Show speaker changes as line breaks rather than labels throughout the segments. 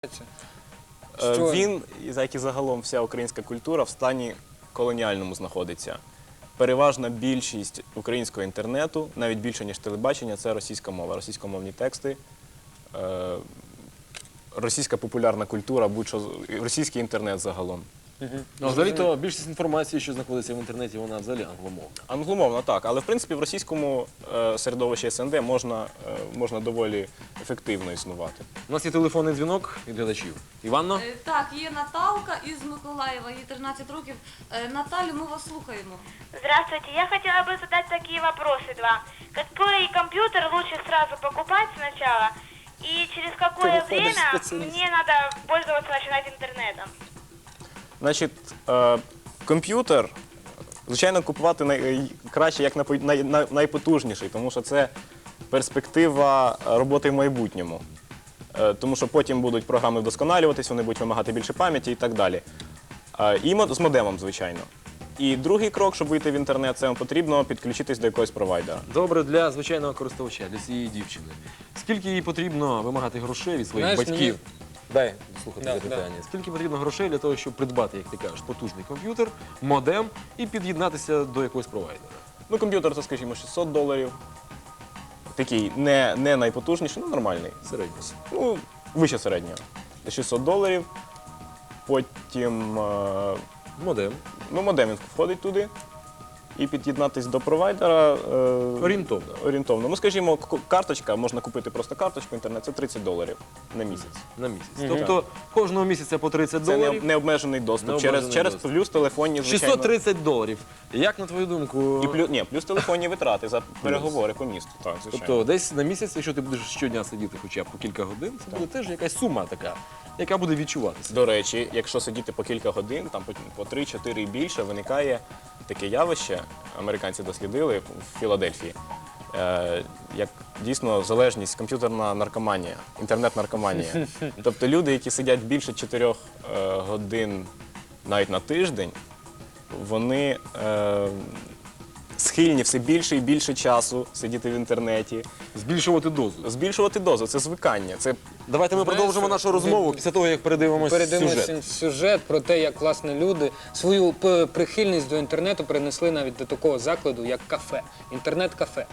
Він, як і загалом вся українська культура, в стані колоніальному знаходиться. Переважна більшість українського інтернету, навіть більше, ніж телебачення, це російська мова, російськомовні тексти, російська популярна культура, російський інтернет загалом.
Взагалі-то більшість інформації, що знаходиться в інтернеті, вона взагалі англомовна.
Англомовна, так, але в принципі в російському середовищі СНД можна доволі ефективно існувати.
У нас є телефонний дзвінок від глядачів. Іванно?
Так, є Наталка із Миколаєва, їй 13 років. Наталю, ми вас слухаємо.
Здравствуйте, я хотела бы задать такие вопросы два. Какой компьютер лучше сразу покупать сначала? И через какое время мне надо пользоваться, начинать интернетом?
Значить, комп'ютер, звичайно, купувати краще як найпотужніший, тому що це перспектива роботи в майбутньому. Тому що потім будуть програми вдосконалюватись, вони будуть вимагати більше пам'яті і так далі. І з модемом, звичайно. І другий крок, щоб вийти в інтернет, це вам потрібно підключитись до якогось провайдера.
Добре, для звичайного користувача, для цієї дівчини. Скільки їй потрібно вимагати грошей від своїх батьків? Дай слухати запитання. Скільки потрібно грошей для того, щоб придбати, як ти кажеш, потужний комп'ютер, модем і під'єднатися до якогось провайдера?
Ну, комп'ютер, це, скажімо, $600. Такий не найпотужніший, нормальний.
Середньо.
Ну, вище середнього. $600. Потім
Модем.
модем входить туди. І під'єднатися до провайдера орієнтовно. Ну, скажімо, карточка, можна купити просто карточку, інтернет, це $30 на місяць.
На місяць. Тобто кожного місяця по $30.
Це необмежений доступ через плюс телефонні, звичайно.
$630. Як, на твою думку?
Плюс телефонні витрати за переговори по місту. Так, звичайно.
Тобто десь на місяць, якщо ти будеш щодня сидіти хоча б по кілька годин, це буде теж якась сума така, яка буде відчуватися.
До речі, якщо сидіти по кілька годин, там по 3-4 і більше, виникає таке явище, американці дослідили в Філадельфії, як дійсно залежність, комп'ютерна наркоманія, інтернет-наркоманія. Тобто люди, які сидять більше 4 годин навіть на тиждень, вони схильні все більше і більше часу сидіти в інтернеті.
Збільшувати дозу.
Збільшувати дозу – це звикання.
Давайте ми продовжимо нашу розмову після того, як передивимося
сюжет про те, як, власне, люди свою прихильність до інтернету перенесли навіть до такого закладу, як кафе. Інтернет-кафе.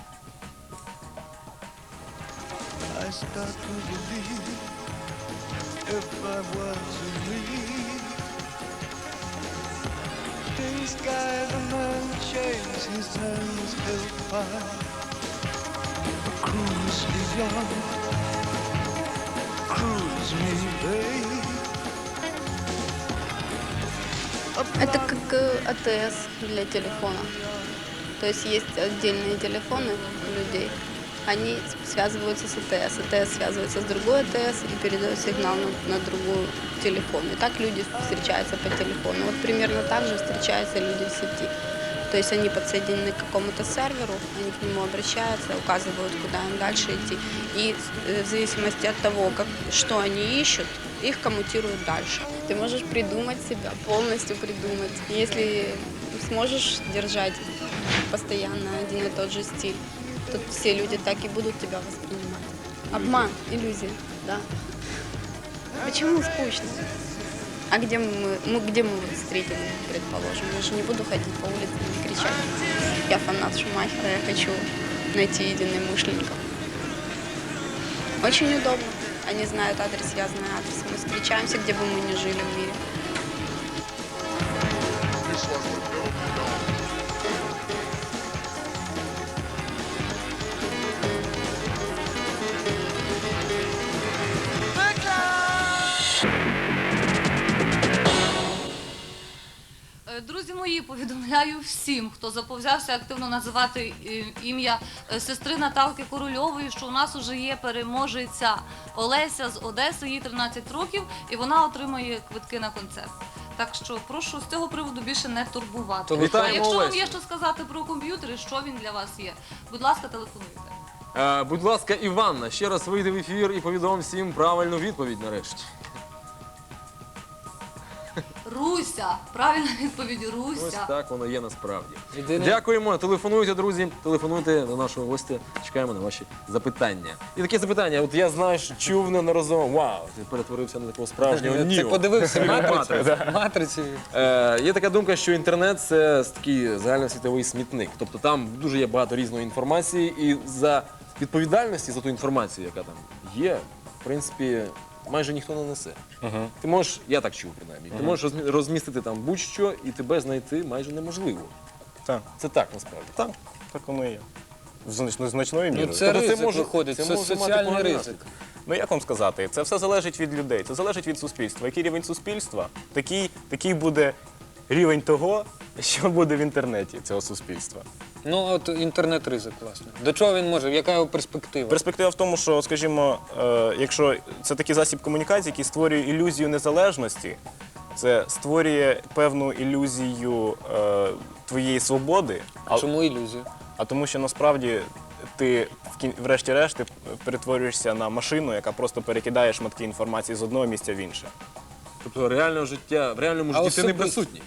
I start to believe if I were to leave in sky the man chains his hands held high cruise beyond cruise me babe.
Это как АТС для телефона. То есть отдельные телефоны у людей. Они связываются с АТС. АТС связывается с другой АТС и передает сигнал на другой телефон. И так люди встречаются по телефону. Вот примерно так же встречаются люди в сети. То есть они подсоединены к какому-то серверу, они к нему обращаются, указывают, куда им дальше идти. И в зависимости от того, что они ищут, их коммутируют дальше. Ты можешь придумать себя, полностью придумать. Если сможешь держать постоянно один и тот же стиль, тут все люди так и будут тебя воспринимать. Обман, иллюзия, да. Почему скучно? А где мы встретим, предположим? Я же не буду ходить по улице и кричать. Я фанат Шумахера, я хочу найти единомышленников. Очень удобно. Они знают адрес, я знаю адрес. Мы встречаемся, где бы мы ни жили в мире.
Друзі мої, повідомляю всім, хто заповзявся активно називати ім'я сестри Наталки Корольової, що у нас уже є переможеця Олеся з Одеси, їй 13 років, і вона отримає квитки на концерт. Так що прошу з цього приводу більше не турбувати.
Вітаємо
Якщо вам
Олесю.
є що сказати про комп'ютери, що він для вас є, будь ласка, телефонуйте.
Будь ласка, Іванна, ще раз вийди в ефір і повідом всім правильну відповідь нарешті.
Руся. Правильна відповідь
Ось
Руся.
так воно є насправді.
Єдине-
Дякуємо. Телефонуйте, друзі. Телефонуйте до нашого гостя. Чекаємо на ваші запитання. І таке запитання. От я знаю, що чув неодноразово. Вау, ти перетворився на такого справжнього
Ти
Ніо.
подивився
Матрицю.
матрицю.
Є така думка, що інтернет це такий загальносвітовий смітник. Тобто там дуже є багато різної інформації, і за відповідальності за ту інформацію, яка там є, в принципі, майже ніхто не несе. Ти можеш, я так чув принаймні, ти можеш розмістити там будь-що, і тебе знайти майже неможливо.
Так,
Це так насправді.
так воно і є. Значною
Ну
мірою.
це
Тобто це
ризик
може-
виходить,
це
це
може мати
соціальний
поганий
ризик.
Ну як вам сказати, це все залежить від людей, це залежить від суспільства. Який рівень суспільства, такий буде рівень того, що буде в інтернеті цього суспільства.
Ну от інтернет-ризик, власне. До чого він може? Яка його перспектива?
Перспектива в тому, що, скажімо, якщо це такий засіб комунікації, який створює ілюзію незалежності, це створює певну ілюзію твоєї свободи,
Чому ілюзія?
а тому, що насправді ти врешті-решт ти перетворюєшся на машину, яка просто перекидає шматки інформації з одного місця в інше.
Тобто реального життя, в реальному
А
житті ти не
особисто-
присутній.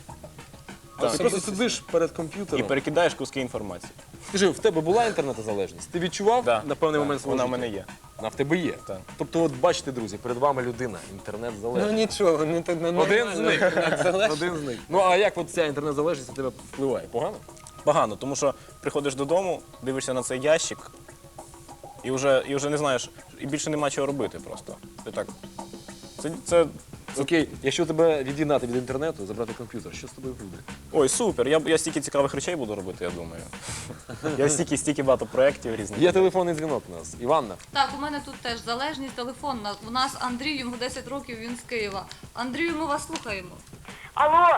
Ти просто сидиш перед комп'ютером.
І перекидаєш куски інформації.
Скажи, в тебе була інтернетозалежність? Ти відчував
Да.
на певний
Так,
момент свого
вона в
життя?
мене є.
Вона в тебе є.
Так.
Тобто, от бачите, друзі, перед вами людина, інтернет-залежність.
Ну нічого, не так
Один з
нормально.
них.
Інтернет-залежність.
Один з них. Ну а як от ця інтернет-залежність на тебе впливає? Погано?
Погано, тому що приходиш додому, дивишся на цей ящик і вже не знаєш, і більше нема чого робити просто. Ти так. Це
Окей, якщо тебе від'єднати від інтернету, забрати комп'ютер, що з тобою буде?
ой, супер. Я стільки цікавих речей буду робити, я думаю. Я стільки багато проєктів різних.
Є телефонний дзвінок у нас. Іванна.
Так, у мене тут теж залежність телефонна. У нас Андрій, йому 10 років, він з Києва. Андрію, ми вас слухаємо.
Алло,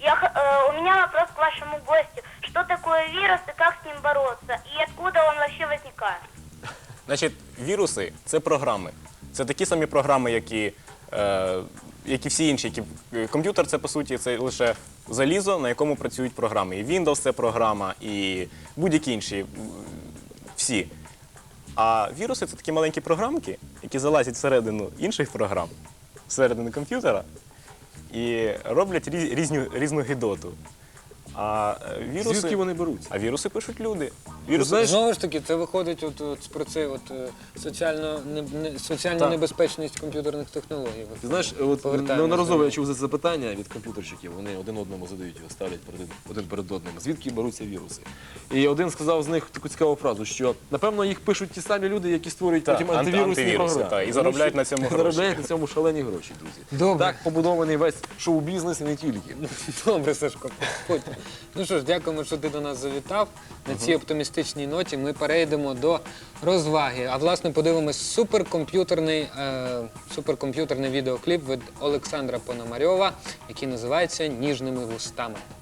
у меня вопрос к вашему гостю. Что такое вирус и как с ним бороться? И откуда он вообще возникает?
Значить, віруси це програми. Це такі самі програми, як і всі інші. Комп'ютер це, по суті, це лише залізо, на якому працюють програми. І Windows це програма, і будь-які інші, всі. А віруси це такі маленькі програмки, які залазять всередину інших програм, всередину комп'ютера, і роблять різну гидоту. А віруси,
Звідки вони беруться?
а віруси пишуть люди.
знаєш,
Знову ж таки, це виходить про цей соціальну
Так.
небезпечність комп'ютерних технологій.
Ти знаєш, от
Повертаємось
неодноразово
до-
я чув за це запитання від комп'ютерщиків. Вони один одному задають його, ставлять один перед одним. Звідки беруться віруси? І один сказав з них таку цікаву фразу, що напевно їх пишуть ті самі люди, які створюють
Так,
потім антивірусні
антивіруси,
програми.
так, і
Тому
заробляють
що
на цьому гроші.
Заробляють на цьому шалені гроші, друзі.
Добре.
Так побудований весь шоу-бізнес і не тільки.
Добре, Сашко, ходь. Ну що ж, дякуємо, що ти до нас завітав. На цій оптимістичній ноті ми перейдемо до розваги. А власне подивимось суперкомп'ютерний відеокліп від Олександра Пономарьова, який називається «Ніжними вустами».